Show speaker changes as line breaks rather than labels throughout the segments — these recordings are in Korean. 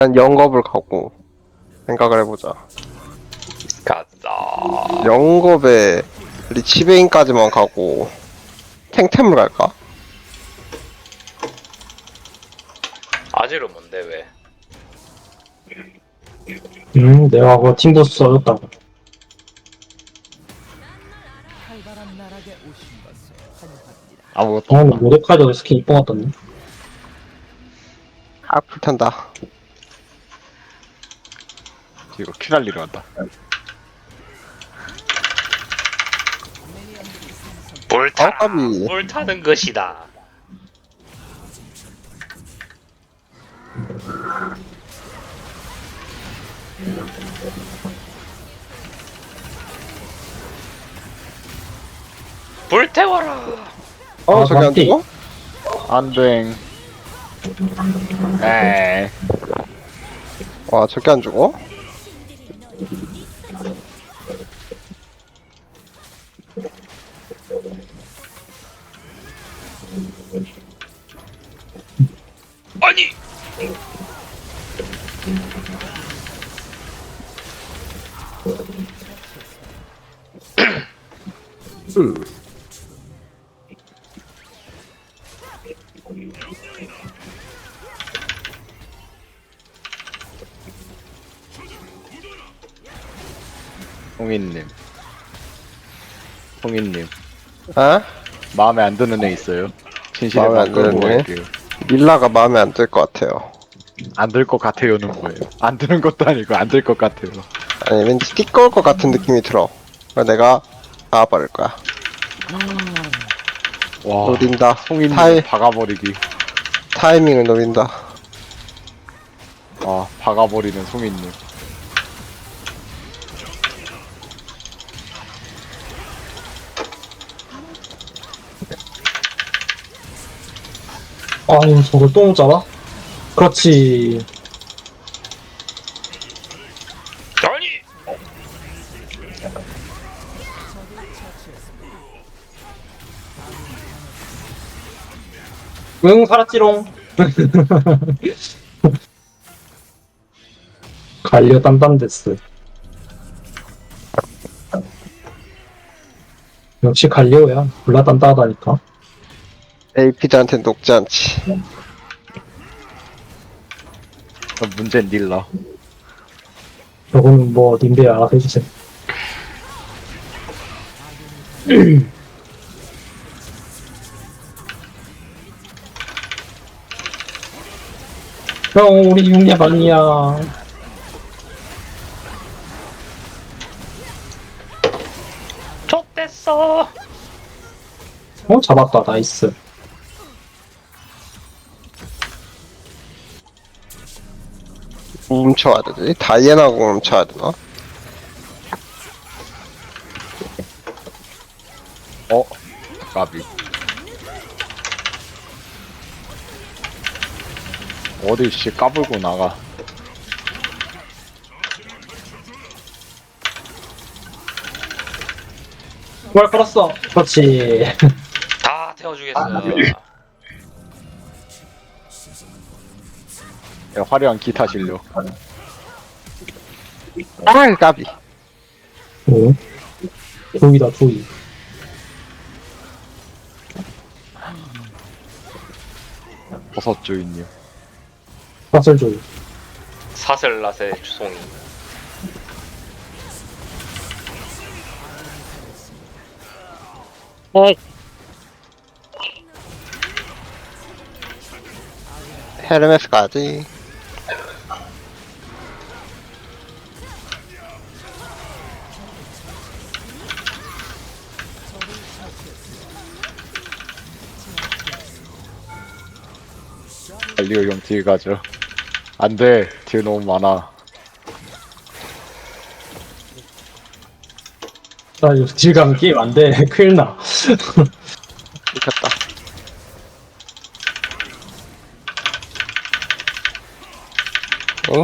난 영겁을 가고 생각을 해보자.
가자.
영겁에 리치베인까지만 가고 탱템을 갈까?
아지로 뭔데 왜?
내가 그거 팀보스 써줬다고.
활발한 나락에 오신 것을 환영합니다.
아무것도
아,
없다.
모데카이저 스킨 이뻐 같던데.
아 불탄다.
이거 퀴날리로 한다.
불타.
깜깜이.
불타는 것이다. 불태워라.
어
아,
저기 안
맞디.
죽어?
안돼. 에이.
와 저기 안 죽어?
아니.
홍인님. 홍인님.
아?
마음에 안 드는 애 있어요? 진실의
마음에
맘
안
끌고
드는 애?
갈게요.
밀라가 마음에 안 들 것 같아요.
안 들 것 같아요는 뭐예요? 안 드는 것도 아니고 안 들 것 같아요.
아니 왠지 띠꺼울 것 같은 느낌이 들어. 그래서 내가 박아버릴 거야.
와.
노린다.
홍인님
타이,
박아버리기.
타이밍을 노린다.
아, 박아버리는 송인님.
아유, 저걸 또 못 잡아? 그렇지.
아니.
응, 살았지롱. 갈려 딴딴데스. 역시 갈리오야. 졸라 딴딴하다니까.
AP들한테 녹지 않지.
그럼 문제는 닐라.
저거는 뭐, 님들이 알아서 해주세요. 형, 우리 육렙 아니야.
족됐어.
잡았다. 나이스.
뭐 훔쳐와야 되지? 다이애나고 훔쳐야 되나?
어? 까비. 어디 씨 까불고 나가.
뭘 걸었어. 그렇지.
다 태워주겠어.
야, 화려한 기타 실력.
아 까비.
오. 조이다, 조이.
버섯 주인님.
사슬 조이.
사슬라세 주송이.
헤르메스 가지.
갈리오 형 뒤에 가죠. 안 돼. 뒤에 너무 많아.
나 이거 딜 가면 게임 안 돼. 큰일 나.
미쳤다. 응?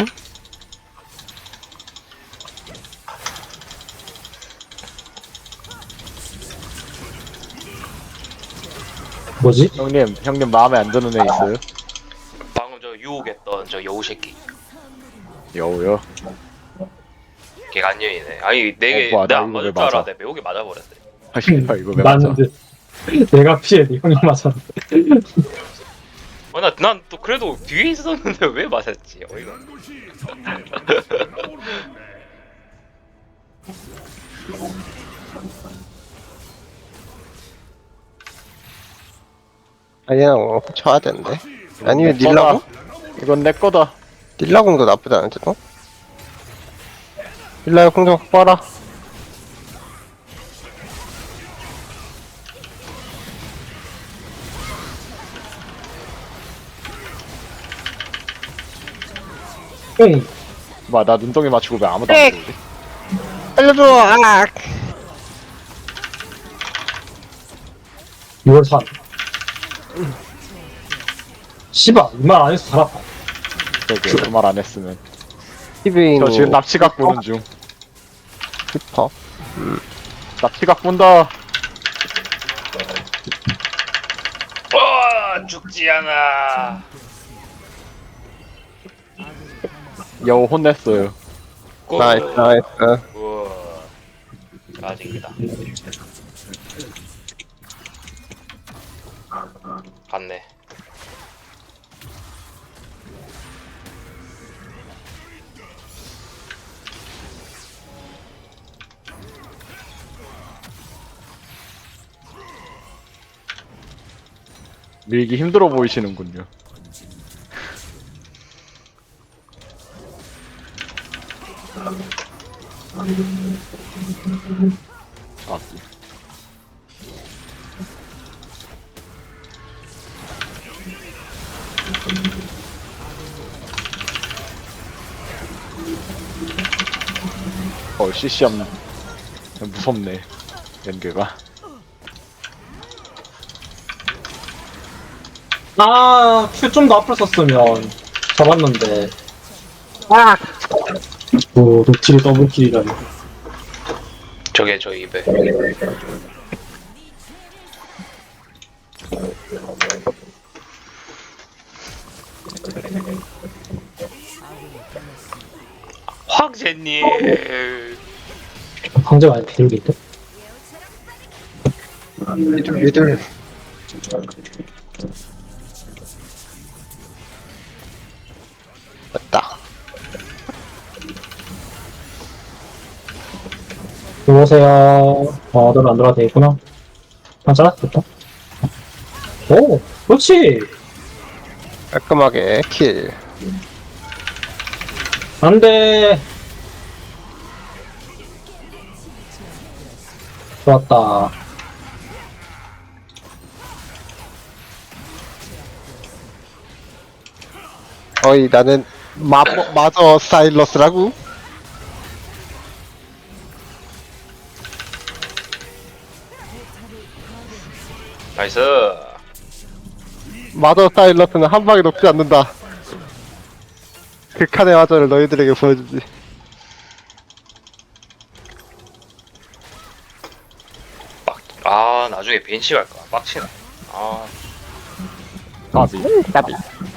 형님 마음에 안 드는 애 있어요?
방금 저 유혹했던 저 여우 새끼.
여우요.
개간년이네. 아니 내게
뭐야, 나
내안
이거
맞을
왜
줄
맞아?
알았는데 매우게 맞아버렸네.
아 씨발 이거 왜 맞아?
맞는데 내가 피해 형이 맞았는데.
난 또 그래도 뒤에 있었는데 왜 맞았지? 어이가.
아니야, 쳐야 되는데. 아니면 닐라공?
이건 내 거다.
닐라공도 나쁘지 않은데, 또? 닐라의 공격 확 봐라.
응.
나 눈덩이 맞추고 왜 아무도 안 보지?
알려줘, 아!
6월 3. 씨발 이 말 안 해서 살았다.
저기 그말 안 했으면.
티빙.
저 지금 납치각 보는 중.
히퍼.
납치각 본다.
죽지 않아.
여우 혼냈어요.
나이스, 나이스.
우와. 아직이다. 갔네.
밀기 힘들어 보이시는군요. 아, CC함 무섭네. 연계가.
아, 큐 좀 더 앞으로 썼으면 잡았는데. 아! 오, 녹칠이 더블킬이라니.
저게 저 입에. 황제님.
황제가 아니 비둘기인데?
미들. 됐다.
들어오세요. 너는 안 들어가도 되겠구나. 맞아? 됐다. 오, 그렇지!
깔끔하게 킬.
안 돼! 좋았다.
어이, 나는 마저 사일러스라고?
나이스.
마저 사일러스는 한 방에 녹지 않는다. 극한의 마저를 너희들에게 보여주지.
나중에 벤시 갈까? 빡치네.
까비.
까비.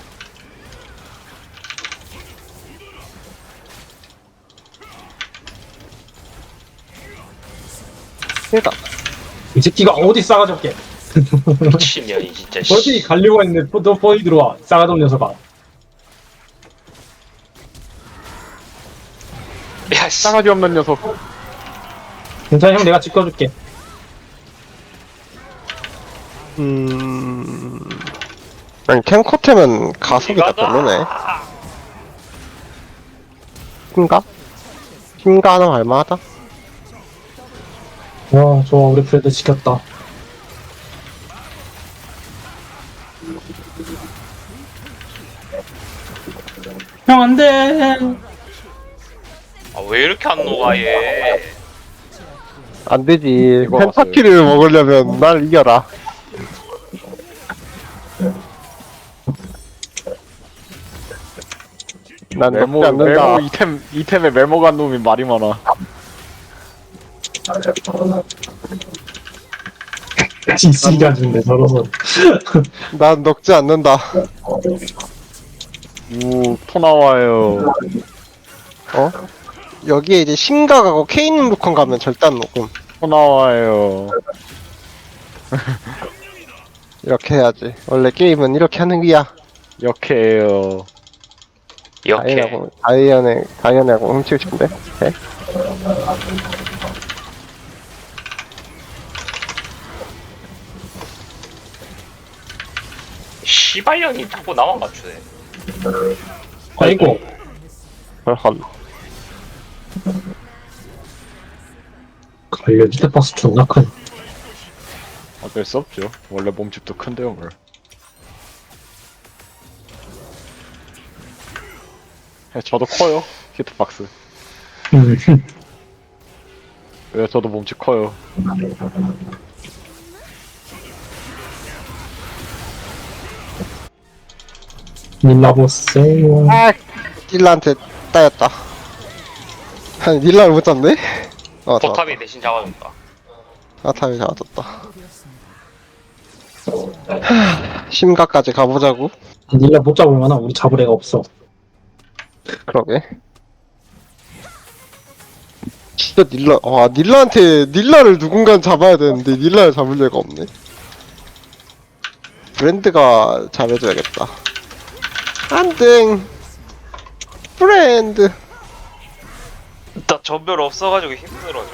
그니까.
이 새끼가 어디 싸가지 없게.
미친년이 진짜. 씨.
어디 가려고 했는데 또 뻔히 들어와. 싸가지 없는 녀석아.
야, 씨.
싸가지 없는 녀석.
괜찮아, 형 내가 지켜줄게.
아니, 캔코템은 가속이 다 별로네. 힘가? 힘가 하나 할만하다?
와, 좋아. 우리 프레드 지켰다. 형, 안 돼!
왜 이렇게 안 녹아 얘?
안 되지.
이거
펜타키를 먹으려면 날 이겨라. 난
메모
먹지 않는다.
이템에 메모 간 놈이 말이 많아.
지수가 준대, 저러서.
난 녹지 않는다.
토 나와요.
어? 여기에 이제 심각하고 케인 루컨 가면 절대 안 녹음.
또 나와요.
이렇게 해야지. 원래 게임은 이렇게 하는 거야.
역해요.
이렇게
다이언하고 훔치고 싶은데. 오케이.
시발년이 자꾸 나만 맞추네.
아이고.
헐.
관련 스텝박스 존나 큰.
어쩔 수 없죠. 원래 몸집도 큰데요, 뭘. 저도 커요. 히트박스. 왜 저도 몸집 커요.
밀라보세요.
아, 닐라한테 따였다. 아니, 닐라를 못 잡네?
포탑이 대신 잡아줬다.
아탑이 잡아줬다. 심가까지 가보자고.
닐라 못 잡을 만한 우리 잡을 애가 없어.
그러게. 진짜 닐라를 누군가 잡아야 되는데, 닐라를 잡을 애가 없네. 브랜드가 잘해줘야겠다. 안땡! 브랜드!
나 전별 없어가지고 힘들어져.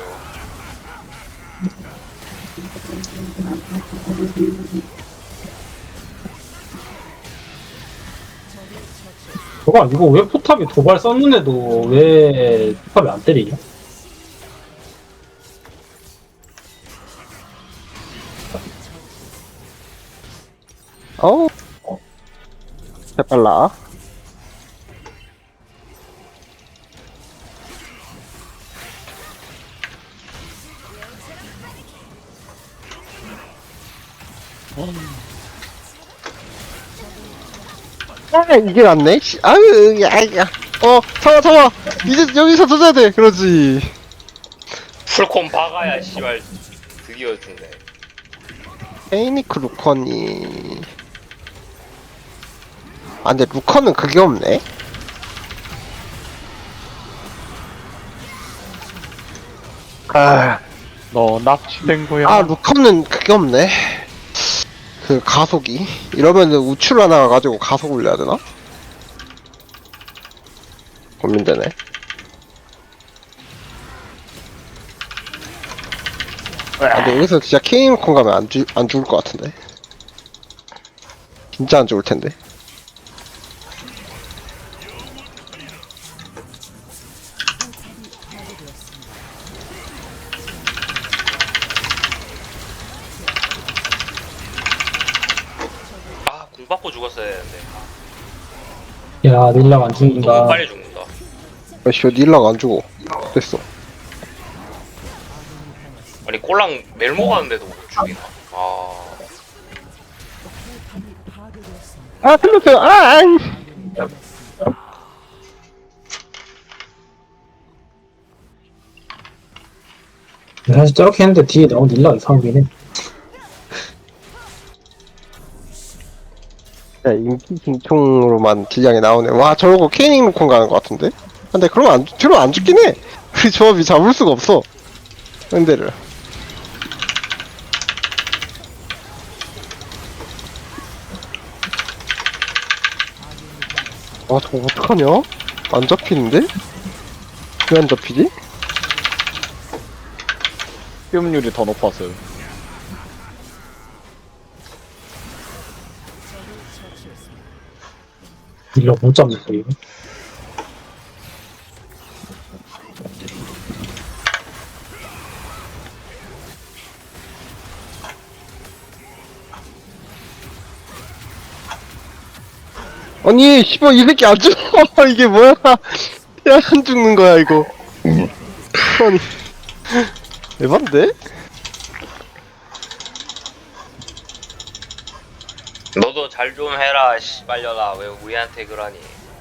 저거 이거 왜 포탑이 도발 썼는데도 왜 포탑이 안 때리냐?
어우. 재빨라. 아, 이게 낫네? 아유, 야. 잡아. 이제 여기서 져야 돼. 그러지.
풀콤 박아야 씨발 드디어 죽네.
페이니크 루컨이. 아, 근데 루컨은 그게 없네?
너 납치된 거야.
아, 루컨은 그게 없네. 그 가속이. 이러면은 우출 하나 가지고 가속 올려야 되나? 고민되네. 아, 근데 여기서 진짜 케이콘 가면 안 죽을 것 같은데. 진짜 안 죽을 텐데.
아, 공 받고 죽었어야 되는데.
야 닐라가 안
너무
죽는다.
빨리 죽는다.
씨, 닐라가 안 죽어. 됐어.
아니 꼴랑 멜모 가는데도 못 죽이나. 아,
아, 틀렸어요.
사실 저렇게 했는데 뒤에 나온 닐라가 이상하긴 해.
야, 인기 징총으로만 딜량이 나오네. 와, 저러고 케이닝 루콘 가는 것 같은데? 근데 그러면 안 죽긴 해. 우리 조합이 잡을 수가 없어. 현대를. 아, 저거 어떡하냐? 안 잡히는데? 왜 안 잡히지?
피음률이 더 높았어요.
닐라 못 잡는 거예요.
아니, 씨발, 이 새끼 안 죽어. 이게 뭐야. 야, 안 죽는 거야, 이거. 아니. 에반데?
너도 잘 좀 해라 씨발려라. 왜 우리한테 그러니?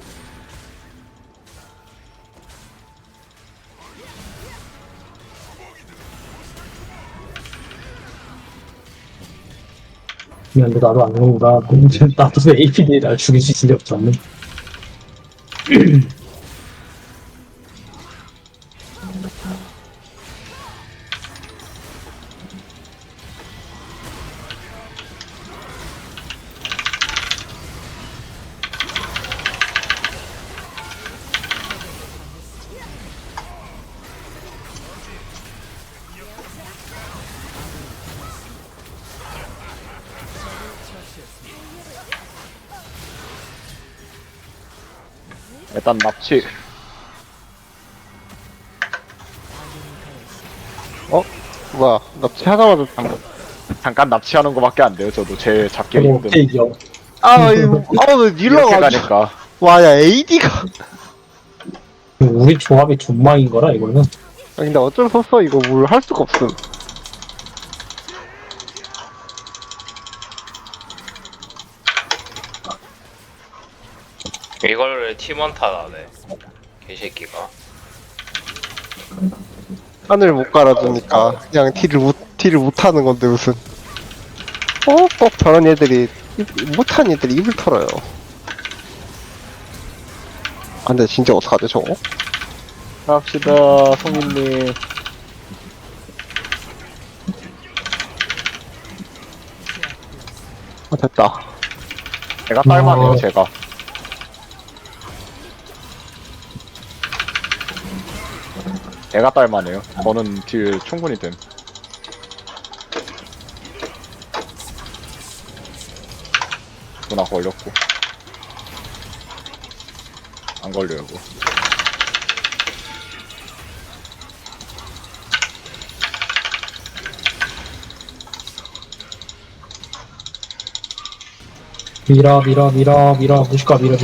미안한데 나도 안 그런가. 나도 APD에 날 죽일 수 있을 리 없지 않네.
일단 납치.
뭐야, 납치하자마자.
잠깐 납치하는 거밖에 안 돼요. 저도 제 잡기
저거
힘든.
어떻게 이겨?
아, 왜
이렇게
닐러가.
가니까.
와, 야, AD가.
우리 조합이 존망인 거라 이거는.
근데 어쩔 수 없어. 이거 뭘 할 수가 없음.
이걸 팀원 탓하네. 개새끼가.
하늘 못 갈아주니까 그냥 딜을 못하는 건데 무슨. 꼭 저런 애들이 못한 애들이 입을 털어요. 아, 근데 진짜 어떡하지 저거?
갑시다, 성인님.
아, 됐다.
제가 딸만해요, 제가. 제가 딸만해요. 저는 딜 충분히 됨. 누나 걸렸고. 안 걸려요, 이거.
밀어 무시가 밀어.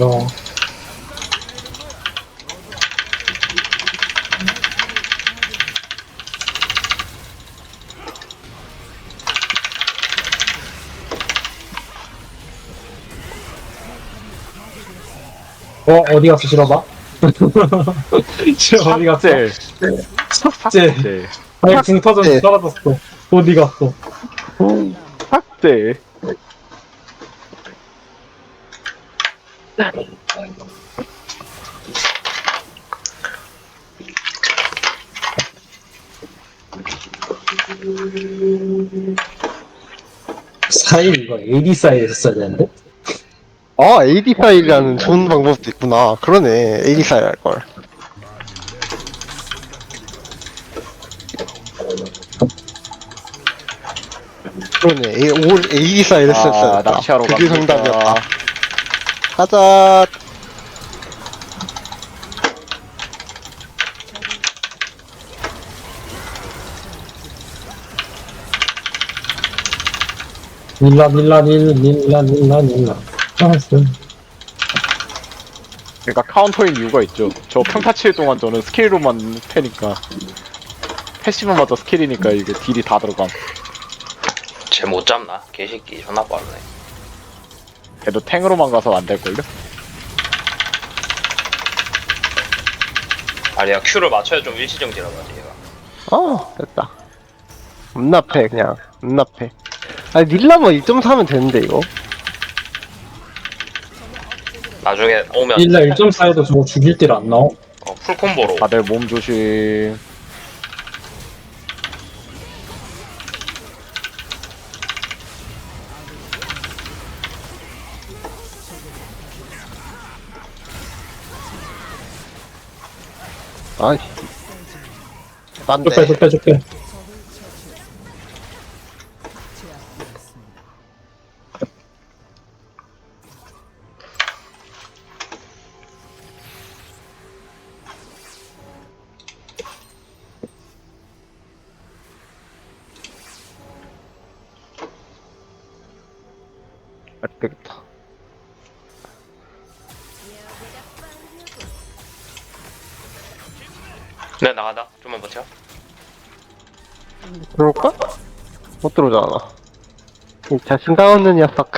어디 갔어 실어봐? 실어 어디 갔어?
삭제.
삭제.
삭제.
아니 붕 터졌는데 떨어졌어. 어디 갔어?
삭제.
사일 이거 AD 사이에 했어야 되는데?
AD 파일이라는 좋은 방법도 있구나. 그러네. AD 파일 할걸. 그러네. AD 파일 했었어야 됐다.
납치하러
그게
갑니다.
정답이었다. 가자.
밀라. 알았어.
그러니까 카운터인 이유가 있죠. 저 평타 칠 동안 저는 스킬로만 패니까. 패시브마저 스킬이니까 이게 딜이 다 들어감.
쟤 못 잡나? 개새끼 존나 빠르네.
걔도 탱으로만 가서 안 될걸요?
아니야 Q를 맞춰야 좀 일시정지라고 하지 얘가.
됐다. 음납해, 그냥. 음납해. 아니, 닐라뭐 2.4면 되는데, 이거.
나중에 오면
밀라 1.4에도 저거 죽일 딜 안 나와?
풀콤보로.
다들 몸 조심.
아이. 딴데.
좁혀.
안 되겠다.
네 나가다. 좀만 버텨.
들어올까? 못 들어오잖아. 이 자신감 없는 녀석.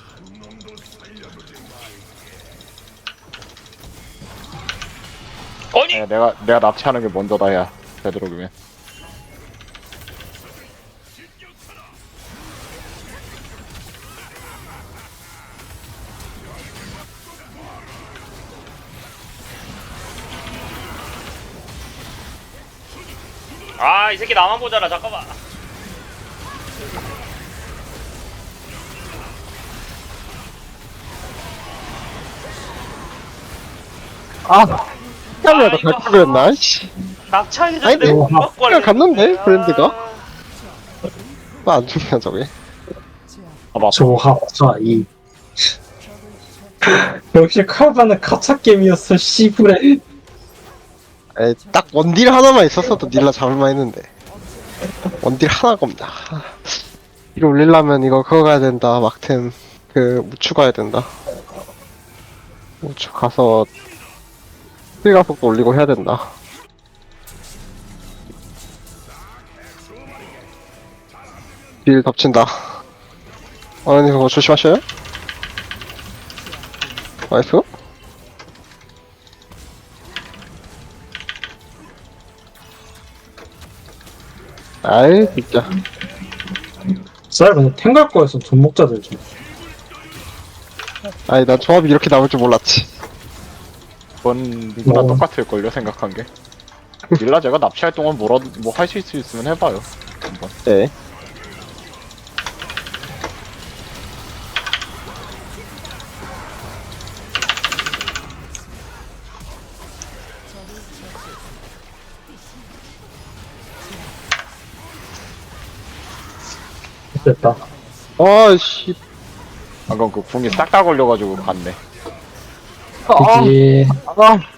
아니
내가 납치하는 게 먼저다, 야. 되도록이면.
아 이 새끼 나만 보잖아. 잠깐만.
시간이라도 갈 거였나? 씨.
낙차하기
아니,
전에
뭐,
못
그냥 갔는데, 브랜드가? 안 죽냐, 저게?
봐봐.
조합 4, 2. 역시 칼바는 가차 게임이었어, 씨부레.
에이, 딱 원딜 하나만 있었어도 닐라 잡을만 했는데 원딜 하나가 없다. 이거 올리려면 이거 그거 가야 된다. 막템 그 우추 가야 된다. 우추 가서 스피가속도 올리고 해야 된다. 딜 덮친다. 아니 그거 조심하셔요. 나이스. 아이 진짜.
쌀 그냥 탱갈 거였어, 존목자들 좀.
아니 난 조합이 이렇게 나올 줄 몰랐지.
이번 누구나
어.
똑같을걸요 생각한 게. 닐라 제가 납치할 동안 뭐라도 뭐 하실 수 있으면 해봐요. 한번.
네.
됐다.
아씨.
방금 그 궁이 싹 다 걸려가지고 갔네.
그지.
아.